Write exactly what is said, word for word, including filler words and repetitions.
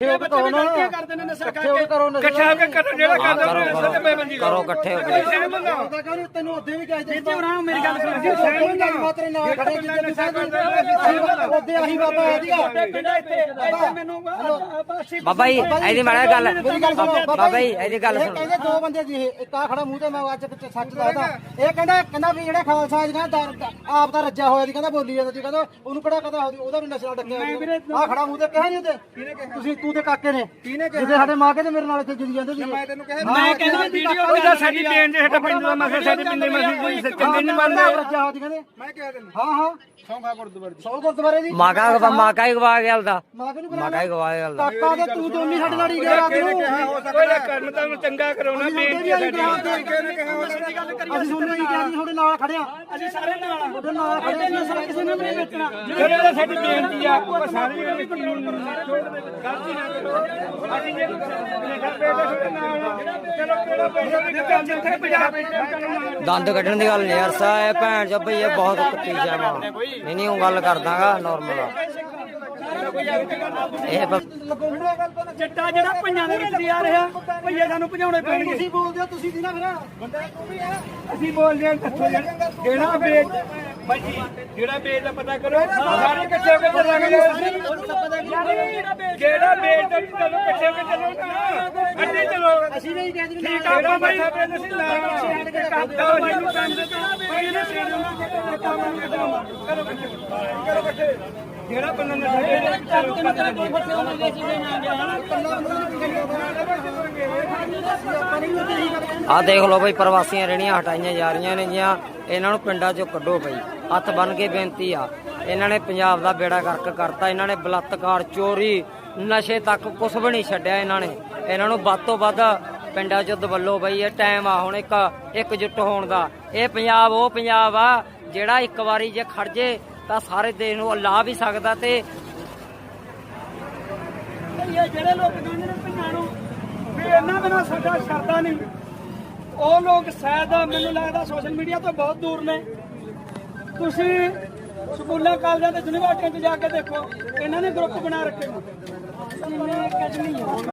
ਕਰਦੇ ਨੇ ਨਸ਼ਾ ਕਰਕੇ ਇਕੱਠਾ ਹੋ ਕੇ ਕਰੋ ਜਿਹੜਾ ਕਰਦਾ ਨਸ਼ਾ ਤੇ ਬੇਬੰਦੀ ਕਰੋ ਇਕੱਠੇ ਹੋ ਕੇ ਤੈਨੂੰ ਉਹਦੇ ਵੀ ਕਹੇ ਜੀ ਉਹਨਾਂ ਮੇਰੀ ਗੱਲ ਸੁਣ ਜੀ ਸਹਿਮਤ ਨਾਲ ਮਾਤਰੇ ਨਾਲ ਖੜੇ ਜਿੱਦੇ ਤੁਸੀਂ ਉਹਦੇ ਆਹੀ ਬਾਬਾ ਆਦੀਗਾ ਪਿੰਡਾ ਇੱਥੇ ਮੈਨੂੰ ਬਾਬਾ ਜੀ ਇਹਦੀ ਮਾੜਾ ਗੱਲ ਬਾਬਾ ਜੀ ਇਹਦੀ ਗੱਲ ਸੁਣ ਕਹਿੰਦੇ ਦੋ ਬੰਦੇ ਜੀ ਇੱਕ ਆ ਖੜਾ ਮੂੰਹ ਤੇ ਮੈਂ ਅੱਜ ਸੱਚ ਦੱਸਦਾ ਇਹ ਕਹਿੰਦਾ ਕਹਿੰਦਾ ਵੀ ਜਿਹੜਾ ਖਾਲਸਾ ਜੀ ਆਪ ਦਾ ਰੱਜਾ ਹੋਇਆ ਜੀ ਕਹਿੰਦਾ ਬੋਲੀ ਜਾਂਦਾ ਜੀ ਕਹਿੰਦਾ ਉਹਨੂੰ ਕਿਹੜਾ ਕਹਦਾ ਉਹਦਾ ਵੀ ਨਸ਼ਾ ਡੱਕਿਆ ਆ ਖੜਾ ਮੂੰਹ ਤੇ ਕਿਹਾ ਨਹੀਂ ਉਹਦੇ ਤੁਸੀਂ ਤੂੰ ਤੇ ਕਾਕੇ ਨੇ ਜਿਹਦੇ ਸਾਡੇ ਮਾਂ ਕੇ ਤੇ ਮੇਰੇ ਨਾਲ ਇੱਥੇ ਜੁੜੀ ਜਾਂਦੇ ਸੀ ਮੈਂ ਤੈਨੂੰ ਕਿਹਾ ਮੈਂ ਕਹਿੰਦਾ ਵੀਡੀਓ ਉਹਦਾ ਸਾਡੀ ਦੇਣ ਦੇ ਸਾਡਾ ਪਿੰਡ ਦਾ ਮਸਲਾ ਸਾਡੇ ਪਿੰਡ ਦੇ ਮਸਲੇ ਚੰਗੇ ਨਹੀਂ ਮੰਨਦੇ ਰੱਜਾ ਹੋ ਜੀ ਕਹਿੰਦੇ ਮੈਂ ਕਿਹਾ ਤੈਨੂੰ ਹਾਂ ਹਾਂ ਸੌਂਖਾ ਗੁਰਦੁਆਰੇ ਸੌ ਗੁਰਦੁਆਰੇ ਦੀ ਮਾਕਾ ਮਾਕਾ ਹੀ ਗਵਾ ਗਿਆ ਦਾ ਮਾਂ ਕੇ ਨੂੰ ਮਾਕਾ ਹੀ ਗਵਾ ਗਿਆ ਦਾ ਕਾਕਾ ਤੇ ਤੂੰ ਦੋਨੀ ਸਾਡੇ ਨਾਲ ਹੀ ਗਿਆ ਰਾਤ ਨੂੰ ਕੋਈ ਕਰਮ ਤਾਂ ਚੰਗਾ ਕਰਾਉਣਾ ਬੇਨਤੀ ਹੈ ਸਾਡੀ ਅਸੀਂ ਤੁਹਾਨੂੰ ਹੀ ਕਿਹਾ ਜੀ ਤੁਹਾਡੇ ਨਾਲ ਖੜਿਆ ਅਸੀਂ ਸਾਰੇ ਨਾਲ ਤੁਹਾਡੇ ਨਾਲ ਖੜੇ ਸੀ ਕਿਸੇ ਨੇ ਨਹੀਂ ਵੇਚਣਾ ਜਿਹੜੇ ਸਾਡੀ ਬੇਨਤੀ ਆ ਉਹ ਸਾਰੇ ਗਲਤੀ ਨਾ ਕਰੋ ਅਸੀਂ ਜੇ ਚਲੋ ਕਿਹੜਾ ਪੈਸਾ ਵੀ ਕੰਮ ਜਿੱਥੇ ਪੰਜਾਬ ਦੰਦ ਕੱਢਣ ਦੀ ਗੱਲ ਨਹੀਂ ਯਾਰ ਸਾਹਿਬ ਭੈਣ ਚ ਭਈ ਇਹ ਬਹੁਤ ਕੁੱਤੀ ਜਾਵਾ ਨਹੀਂ ਨਹੀਂ ਉਹ ਗੱਲ ਕਰਦਾਗਾ ਨਾਰਮਲ ਇਹ ਜੱਟਾ ਜਿਹੜਾ ਪੰਜਾਂ ਦੇ ਵਿੱਚ ਆ ਰਿਹਾ ਭਈਏ ਸਾਨੂੰ ਭਜਾਉਣੇ ਪੈਣਗੇ ਤੁਸੀਂ ਬੋਲਦੇ ਹੋ ਤੁਸੀਂ ਦੀ ਨਾ ਫਿਰ ਬੰਦਾ ਤੂੰ ਵੀ ਆ ਅਸੀਂ ਬੋਲਦੇ ਹਾਂ ਦੱਸੋ ਜਿਹੜਾ ਵੇਚ ਬਾਈ ਜਿਹੜਾ ਵੇਚ ਦਾ ਪਤਾ ਕਰੋ ਸਾਰੇ ਇਕੱਠੇ ਹੋ ਕੇ ਚੱਲਾਂਗੇ ਜਿਹੜਾ ਵੇਚ ਦਾ ਚਲੋ ਇਕੱਠੇ ਹੋ ਕੇ ਚੱਲੋ ਨਾ ਅੱਡੇ ਚਲੋ ਅਸੀਂ ਨਹੀਂ ਕਹਿੰਦੇ ਠੀਕ ਆ ਬਾਈ ਅਸੀਂ ਨਾਲ ਕਰਦਾ ਬਾਈ ਨੂੰ ਕੰਮ ਦੇ ਬਾਈ ਨੇ ਸੇਡ ਨੂੰ ਕੰਮ ਨੂੰ ਕਰੋ ਕਰੋ ਇਕੱਠੇ ਜਿਹੜਾ ਬੰਦਾ ਨਸ਼ਾ ਦੇ ਚਲੋ ਕਰਦੇ ਦੋ ਫੱਟੇ ਹੋਣੇ ਦੇ ਸੀ ਨਾ ਆ ਦੇਖ ਲਓ ਬਈ ਪ੍ਰਵਾਸੀਆਂ ਰਹਿਣੀਆਂ ਹਟਾਈਆਂ ਜਾ ਰਹੀਆਂ ਨੇ ਜੀਆਂ ਇਹਨਾਂ ਨੂੰ ਪਿੰਡਾਂ ਚੋਂ ਕੱਢੋ ਬਈ ਹੱਥ ਬੰਨ ਕੇ ਬੇਨਤੀ ਆ ਇਹਨਾਂ ਨੇ ਪੰਜਾਬ ਦਾ ਬੇੜਾ ਗਰਕ ਕਰਤਾ ਇਹਨਾਂ ਨੇ ਬਲਾਤਕਾਰ ਚੋਰੀ ਨਸ਼ੇ ਤੱਕ ਕੁਛ ਵੀ ਨਹੀਂ ਛੱਡਿਆ ਇਹਨਾਂ ਨੇ ਇਹਨਾਂ ਨੂੰ ਵੱਧ ਤੋਂ ਵੱਧ ਪਿੰਡਾਂ ਚੋਂ ਦਵੱਲੋ ਬਈ ਇਹ ਟਾਈਮ ਆ ਹੁਣ ਇੱਕ ਇਕਜੁੱਟ ਹੋਣ ਦਾ ਇਹ ਪੰਜਾਬ ਉਹ ਪੰਜਾਬ ਆ ਜਿਹੜਾ ਇੱਕ ਵਾਰੀ ਜੇ ਖੜ ਜੇ ਤਾਂ ਸਾਰੇ ਦੇਸ਼ ਨੂੰ ਲਾ ਵੀ ਸਕਦਾ ਤੇ ਜਿਹੜੇ ਲੋਕ ਕਹਿੰਦੇ ਨੇ ਪੰਜਾਂ ਨੂੰ ਵੀ ਇਹਨਾਂ ਬਿਨਾਂ ਸਾਡਾ ਸਰਦਾ ਨਹੀਂ ਉਹ ਲੋਕ ਸ਼ਾਇਦ ਮੈਨੂੰ ਲੱਗਦਾ ਸੋਸ਼ਲ ਮੀਡੀਆ ਤੋਂ ਬਹੁਤ ਦੂਰ ਨੇ ਤੁਸੀਂ ਸਕੂਲਾਂ ਕਾਲਜਾਂ ਤੇ ਯੂਨੀਵਰਸਿਟੀਆਂ 'ਚ ਜਾ ਕੇ ਦੇਖੋ ਇਹਨਾਂ ਨੇ ਗਰੁੱਪ ਬਣਾ ਰੱਖੇ ਨੇ